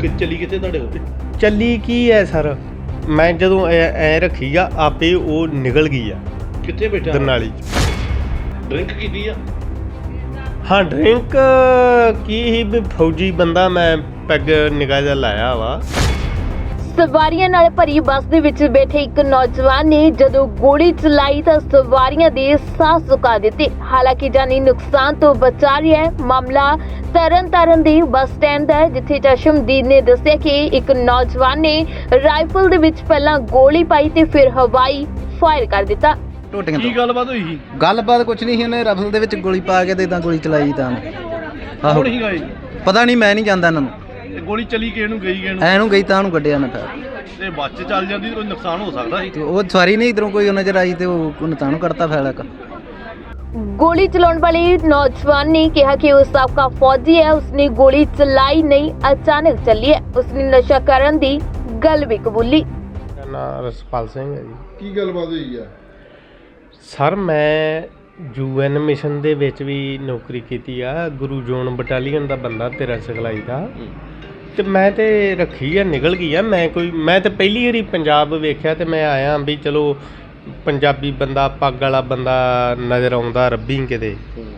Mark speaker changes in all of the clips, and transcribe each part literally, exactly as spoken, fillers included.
Speaker 1: ਕਿ ਚੱਲੀ ਕਿੱਥੇ ਤੁਹਾਡੇ ਕੋਲ?
Speaker 2: ਚੱਲੀ ਕੀ ਹੈ ਸਰ, ਮੈਂ ਜਦੋਂ ਐ ਐਂ ਰੱਖੀ ਆ ਆਪੇ ਉਹ ਨਿਕਲ ਗਈ ਆ
Speaker 1: ਕਿੱਥੇ ਬੈਠਾ?
Speaker 2: ਦਰਨਾਲੀ 'ਚ।
Speaker 1: ਡਰਿੰਕ ਕੀਤੀ ਆ?
Speaker 2: ਹਾਂ ਡਰਿੰਕ ਕੀ ਹੀ ਵੀ ਫੌਜੀ ਬੰਦਾ ਮੈਂ ਪੈਗ ਨਿਗਾਹ ਜਿਹਾ ਲਾਇਆ ਵਾ।
Speaker 3: ਸਵਾਰੀਆਂ ਨਾਲ ਭਰੀ ਬੱਸ ਦੇ ਵਿੱਚ ਬੈਠੇ ਇੱਕ ਨੌਜਵਾਨ ਨੇ ਜਦੋਂ ਗੋਲੀ ਚਲਾਈ ਤਾਂ ਸਵਾਰੀਆਂ ਦੇ ਸਾਹ ਸੁਕਾ ਦਿੱਤੇ। ਹਾਲਾਂਕਿ ਜਾਨੀ ਨੁਕਸਾਨ ਤੋਂ ਬਚਾ ਰਿਹਾ ਹੈ। ਮਾਮਲਾ ਤਰਨ ਤਾਰਨ ਦੇ ਬੱਸ ਸਟੈਂਡ ਦਾ ਹੈ, ਜਿੱਥੇ ਚਸ਼ਮਦੀਦ ਨੇ ਦੱਸਿਆ ਕਿ ਇੱਕ ਨੌਜਵਾਨ ਨੇ ਰਾਈਫਲ ਦੇ ਵਿੱਚ ਪਹਿਲਾਂ ਗੋਲੀ ਪਾਈ ਤੇ ਫਿਰ ਹਵਾਈ ਫਾਇਰ ਕਰ ਦਿੱਤਾ।
Speaker 4: ਟੋਟੀਆਂ
Speaker 1: ਕੀ
Speaker 4: ਤੋਂ
Speaker 1: ਗੱਲਬਾਤ ਹੋਈ ਸੀ?
Speaker 4: ਗੱਲਬਾਤ ਕੁਛ ਨਹੀਂ ਸੀ, ਉਹਨੇ ਰਫਲ ਦੇ ਵਿੱਚ ਗੋਲੀ ਪਾ ਕੇ ਤੇ ਇਦਾਂ ਗੋਲੀ ਚਲਾਈ ਤਾਂ ਆਹੋ
Speaker 1: ਕੌਣ ਸੀਗਾ ਇਹ?
Speaker 4: ਪਤਾ ਨਹੀਂ, ਮੈਂ ਨਹੀਂ ਜਾਣਦਾ ਇਹਨਾਂ ਨੂੰ।
Speaker 1: ਇਹ ਗੋਲੀ ਚਲੀ ਕਿਸ ਨੂੰ, ਗਈ ਕਿਸ ਨੂੰ?
Speaker 4: ਐ ਨੂੰ ਗਈ ਤਾਂ ਉਹਨੂੰ ਕੱਢਿਆ ਨਾ ਫਿਰ
Speaker 1: ਤੇ ਬੱਸ 'ਚ ਚੱਲ ਜਾਂਦੀ ਤਾਂ ਕੋਈ ਨੁਕਸਾਨ ਹੋ ਸਕਦਾ ਸੀ।
Speaker 4: ਤੇ ਉਹ ਸਵਾਰੀ ਨਹੀਂ ਇਧਰੋਂ ਕੋਈ ਨਜ਼ਰ ਆਈ ਤੇ ਉਹ ਉਹਨੇ ਤਾਂ ਨੂੰ ਕੱਢਤਾ ਫੈਲਾ ਕ
Speaker 3: ਗੋਲੀ ਚਲਾਉਣ ਵਾਲੇ ਨੌਜਵਾਨ ਨੇ ਕਿਹਾ ਕਿ ਉਹ ਸਾਬਕਾ ਫੌਜੀ ਹੈ, ਉਸਨੇ ਗੋਲੀ ਚਲਾਈ ਨਹੀਂ, ਅਚਾਨਕ ਚੱਲੀ ਹੈ। ਉਸਨੇ ਨਸ਼ਾ ਕਰਨ ਦੀ ਗੱਲ ਵੀ ਕਬੂਲੀ।
Speaker 2: ਮੇਰਾ ਨਾਂ ਰਸਪਾਲ ਸਿੰਘ ਹੈ ਜੀ।
Speaker 5: ਕੀ ਗੱਲਬਾਤ ਹੋਈ ਆ?
Speaker 2: ਸਰ ਮੈਂ ਯੂ ਐਨ ਮਿਸ਼ਨ ਦੇ ਵਿੱਚ ਵੀ ਨੌਕਰੀ ਕੀਤੀ ਆ, ਗੁਰੂ ਜੋਨ ਬਟਾਲੀਅਨ ਦਾ ਬੰਦਾ ਤੇਰਾ ਸਿਖਲਾਈ ਦਾ। ਤੇ ਮੈਂ ਤੇ ਰੱਖੀ ਆ, ਨਿਕਲ ਗਈ ਆ। ਮੈਂ ਕੋਈ ਮੈਂ ਤੇ ਪਹਿਲੀ ਵਾਰੀ ਪੰਜਾਬ ਵੇਖਿਆ ਤੇ ਮੈਂ ਆਇਆ ਵੀ ਚਲੋ ਪੰਜਾਬੀ ਬੰਦਾ, ਪੱਗ ਵਾਲਾ ਬੰਦਾ ਨਜ਼ਰ ਆਉਂਦਾ ਰੱਬੀ ਕਿਤੇ।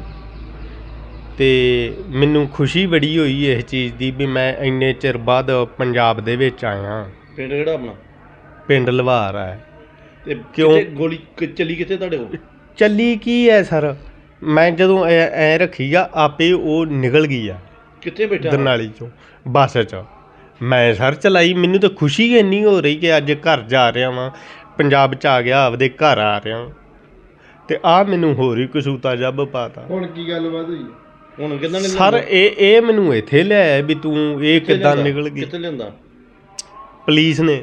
Speaker 2: ਤੇ ਮੈਨੂੰ ਖੁਸ਼ੀ ਬੜੀ ਹੋਈ ਇਸ ਚੀਜ਼ ਦੀ ਵੀ ਮੈਂ ਇੰਨੇ ਚਿਰ ਬਾਅਦ ਪੰਜਾਬ ਦੇ ਵਿੱਚ ਆਇਆ।
Speaker 1: ਪਿੰਡ ਕਿਹੜਾ ਆਪਣਾ?
Speaker 2: ਪਿੰਡ ਲਵਾਰ ਹੈ।
Speaker 1: ਤੇ
Speaker 2: ਕਿਉਂ?
Speaker 1: ਕਿੱਥੇ ਗੋਲੀ ਕਿ- ਚੱਲੀ ਕਿੱਥੇ ਤੁਹਾਡੇ ਕੋਲ?
Speaker 2: ਚੱਲੀ ਕੀ ਹੈ ਸਰ, ਮੈਂ ਜਦੋਂ ਐ ਐਂ ਰੱਖੀ ਆ ਆਪੇ ਉਹ ਨਿਕਲ ਗਈ ਆ
Speaker 1: ਕਿੱਥੇ ਬੈਠਾ?
Speaker 2: ਦਰਨਾਲੀ 'ਚੋਂ ਬੱਸ 'ਚ। ਮੈਂ ਸਰ ਚਲਾਈ, ਮੈਨੂੰ ਤਾਂ ਖੁਸ਼ੀ ਇੰਨੀ ਹੋ ਰਹੀ ਕਿ ਅੱਜ ਘਰ ਜਾ ਰਿਹਾ ਵਾਂ, ਪੰਜਾਬ 'ਚ ਆ ਗਿਆ, ਆਪਦੇ ਘਰ ਆ ਰਿਹਾ। ਤੇ ਆ ਮੈਨੂੰ ਹੋਰ ਹੀ ਕਸੂਤਾ ਜੱਬ ਪਾਤਾ।
Speaker 5: ਹੁਣ ਕੀ ਗੱਲਬਾਤ ਹੋਈ?
Speaker 1: ਹੁਣ ਕਿੱਦਾਂ ਨੇ
Speaker 2: ਸਰ ਇਹ ਇਹ ਮੈਨੂੰ ਇੱਥੇ ਲਿਆਇਆ ਵੀ ਤੂੰ ਇਹ ਕਿੱਦਾਂ ਨਿਕਲ ਗਈ,
Speaker 1: ਕਿੱਥੇ ਲਿਆਂਦਾ?
Speaker 2: ਪੁਲਿਸ ਨੇ।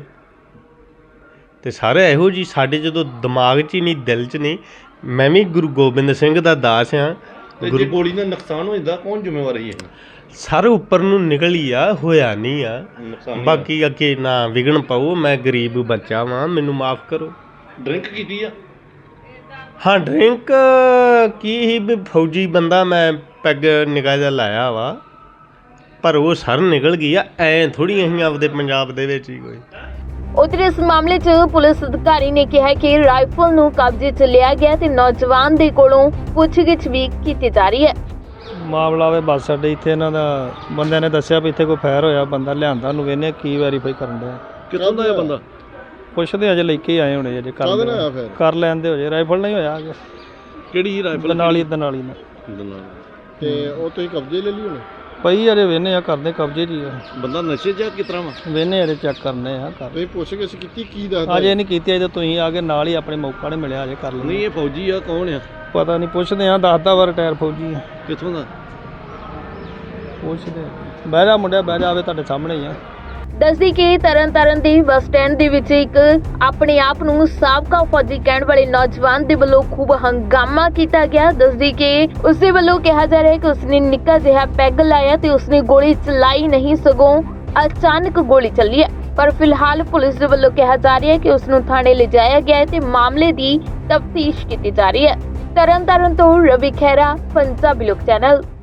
Speaker 2: ਤੇ ਸਾਰੇ ਇਹੋ ਜੀ ਸਾਡੇ ਜਦੋਂ ਦਿਮਾਗ 'ਚ ਹੀ ਨਹੀਂ, ਦਿਲ 'ਚ ਨਹੀਂ। ਮੈਂ ਵੀ ਗੁਰੂ ਗੋਬਿੰਦ ਸਿੰਘ ਦਾ ਦਾਸ ਆ।
Speaker 1: ਤੇ ਜੇ ਗੋਲੀ ਨਾਲ ਨੁਕਸਾਨ ਹੋ ਜਾਂਦਾ ਕੌਣ ਜ਼ਿੰਮੇਵਾਰ ਹੈ?
Speaker 2: ਸਰ ਉੱਪਰ ਨੂੰ ਨਿਕਲੀ ਆ, ਹੋਇਆ ਨਹੀਂ ਆ।
Speaker 1: ਨੁਕਸਾਨ ਨਹੀਂ
Speaker 2: ਬਾਕੀ ਅੱਗੇ ਨਾ ਵਿਗਣ ਪਾਓ, ਮੈਂ ਗਰੀਬ ਬੱਚਾ ਵਾਂ, ਮੈਨੂੰ ਮਾਫ ਕਰੋ।
Speaker 1: ਹੋਇਆ। ਡਰਿੰਕ ਕੀਤੀ ਆ?
Speaker 2: ਹਾਂ ਡਰਿੰਕ ਕੀ ਹੀ ਵੀ ਫੌਜੀ ਬੰਦਾ ਮੈਂ ਪੈਗ ਨਿਗਾਹ ਜਿਹਾ ਲਾਇਆ ਵਾ, ਪਰ ਉਹ ਸਰ ਨਿਕਲ ਗਈ ਆ। ਐਂ ਥੋੜੀ ਅਸੀਂ ਆਪਦੇ ਪੰਜਾਬ ਦੇ ਵਿੱਚ ਹੀ ਕੋਈ।
Speaker 3: ਉਧਰ ਇਸ ਮਾਮਲੇ 'ਚ ਪੁਲਿਸ ਅਧਿਕਾਰੀ ਨੇ ਕਿਹਾ ਕਿ ਰਾਈਫਲ ਨੂੰ ਕਬਜ਼ੇ 'ਚ ਲਿਆ ਗਿਆ ਤੇ ਨੌਜਵਾਨ ਦੇ ਕੋਲੋਂ ਪੁੱਛਗਿੱਛ ਵੀ ਕੀਤੀ ਜਾ ਰਹੀ ਹੈ।
Speaker 6: ਮਾਮਲਾ ਵੇ ਬੱਸ ਅੱਡੇ ਇੱਥੇ ਇਹਨਾਂ ਦਾ ਬੰਦਿਆਂ ਨੇ ਦੱਸਿਆ ਵੀ ਇੱਥੇ ਕੋਈ ਫਾਇਰ ਹੋਇਆ, ਬੰਦਾ ਲਿਆਂਦਾ, ਉਹਨੂੰ ਵੇਖਨੇ ਕੀ ਵੈਰੀਫਾਈ ਕਰਨ ਡਿਆ।
Speaker 1: ਕਿੱਥੋਂ ਦਾ ਇਹ ਬੰਦਾ?
Speaker 6: ਪੁੱਛਦੇ ਅਜੇ ਲੈ ਕੇ ਆਏ ਹੋਣੇ, ਅਜੇ
Speaker 5: ਕਾਹਦੇ ਨਾਲ ਹੋਇਆ
Speaker 6: ਕਰ
Speaker 5: ਫਿਰ?
Speaker 6: ਕਰ ਲੈਂਦੇ ਹੋ ਜੇ, ਰਾਈਫਲ ਨਹੀਂ ਹੋਇਆ ਅਜੇ।
Speaker 1: ਕਿਹੜੀ ਰਾਈਫਲ?
Speaker 6: ਦਨਾਲੀ ਦਨਾਲੀ ਨਾਲ
Speaker 5: ਤੇ ਉਹ ਤੁਸੀਂ ਕਬਜ਼ੇ ਲੈ ਲਈ ਹੁਣ?
Speaker 6: ਪਈ ਅਜੇ ਵੇਖਨੇ ਆ, ਕਰਦੇ ਕਬਜ਼ੇ 'ਚ ਹੀ ਆ।
Speaker 1: ਬੰਦਾ ਨਸ਼ੇ 'ਚ ਕਿਸ ਤਰ੍ਹਾਂ ਵਾ?
Speaker 6: ਵੇਖਨੇ ਅਜੇ ਚੈੱਕ ਕਰਨੇ ਆ ਕਰ।
Speaker 5: ਤੁਸੀਂ ਪੁੱਛਗਿੱਛ ਕੀਤੀ, ਕੀ ਦੱਸਦਾ?
Speaker 6: ਅਜੇ ਨਹੀਂ ਕੀਤੀ, ਅਜੇ ਤੁਸੀਂ ਆ ਕੇ ਨਾਲ ਹੀ ਆਪਣੇ ਮੌਕਾ ਨਹੀਂ ਮਿਲਿਆ, ਅਜੇ ਕਰ
Speaker 1: ਨਹੀਂ
Speaker 6: ਲੈਣੇ।
Speaker 1: ਇਹ ਫੌਜੀ ਆ, ਕੌਣ ਆ?
Speaker 6: ਪਤਾ ਨਹੀਂ, ਪੁੱਛਦੇ ਆ। ਦੱਸਦਾ ਵਾ ਰਿਟਾਇਰ ਫੌਜੀ ਆ।
Speaker 1: ਕਿੱਥੋਂ ਦਾ?
Speaker 6: ਪੁੱਛਦੇ ਆ। ਬਹਿ ਜਾ ਮੁੰਡਿਆ, ਬਹਿ ਜਾ, ਆਵੇ ਤੁਹਾਡੇ ਸਾਹਮਣੇ ਹੀ ਆ।
Speaker 3: ਦੱਸਦੀ ਕਿ ਤਰਨ ਤਾਰਨ ਦੇ ਬੱਸ ਸਟੈਂਡ ਦੇ ਵਿੱਚ ਇੱਕ ਆਪਣੇ ਆਪ ਨੂੰ ਸਾਬਕਾ ਫੌਜੀ ਕਹਿਣ ਵਾਲੇ ਨੌਜਵਾਨ ਦੇ ਵੱਲੋਂ ਖੂਬ ਹੰਗਾਮਾ ਕੀਤਾ ਗਿਆ। ਦੱਸਦੀ ਕਿ ਉਸ ਦੇ ਵੱਲੋਂ ਕਿਹਾ ਜਾ ਰਿਹਾ ਹੈ ਕਿ ਉਸਨੇ ਨਿੱਕਾ ਜਿਹਾ ਪੈਗ ਲਾਇਆ ਤੇ ਉਸਨੇ ਗੋਲੀ ਚਲਾਈ ਨਹੀਂ, ਸਗੋਂ ਅਚਾਨਕ ਗੋਲੀ ਚੱਲੀ ਹੈ। ਪਰ ਫਿਲਹਾਲ ਪੁਲਿਸ ਦੇ ਵੱਲੋਂ ਕਿਹਾ ਜਾ ਰਿਹਾ ਹੈ ਕਿ ਉਸ ਨੂੰ ਥਾਣੇ ਲਿਜਾਇਆ ਗਿਆ ਹੈ ਤੇ ਮਾਮਲੇ ਦੀ ਤਫਤੀਸ਼ ਕੀਤੀ ਜਾ ਰਹੀ ਹੈ। ਤਰਨ ਤਾਰਨ ਤੋਂ ਰਵੀ ਖਹਿਰਾ, ਪੰਜਾਬੀ ਲੋਕ ਚੈਨਲ।